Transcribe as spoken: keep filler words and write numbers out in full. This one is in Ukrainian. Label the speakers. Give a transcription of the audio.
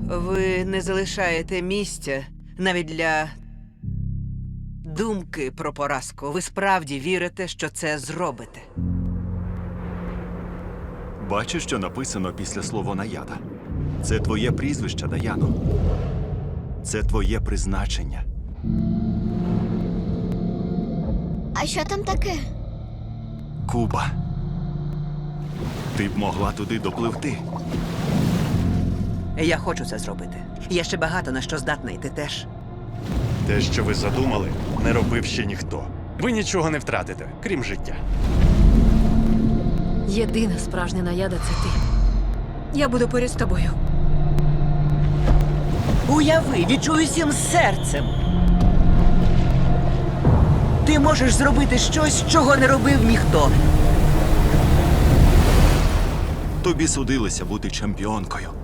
Speaker 1: Ви не залишаєте місця навіть для думки про поразку. Ви справді вірите, що це зробите.
Speaker 2: Бачиш, що написано після слова «наяда»? Це твоє прізвище, Даяно. Це твоє призначення.
Speaker 3: А що там таке?
Speaker 2: Куба. Ти б могла туди допливти.
Speaker 1: Я хочу це зробити. Є ще багато на що здатна, і ти теж.
Speaker 4: Те, що ви задумали, не робив ще ніхто. Ви нічого не втратите, крім життя.
Speaker 5: Єдина справжня наяда – це ти. Я буду поряд з тобою.
Speaker 1: Уяви, відчуй всім серцем. Ти можеш зробити щось, чого не робив ніхто.
Speaker 2: Тобі судилося бути чемпіонкою.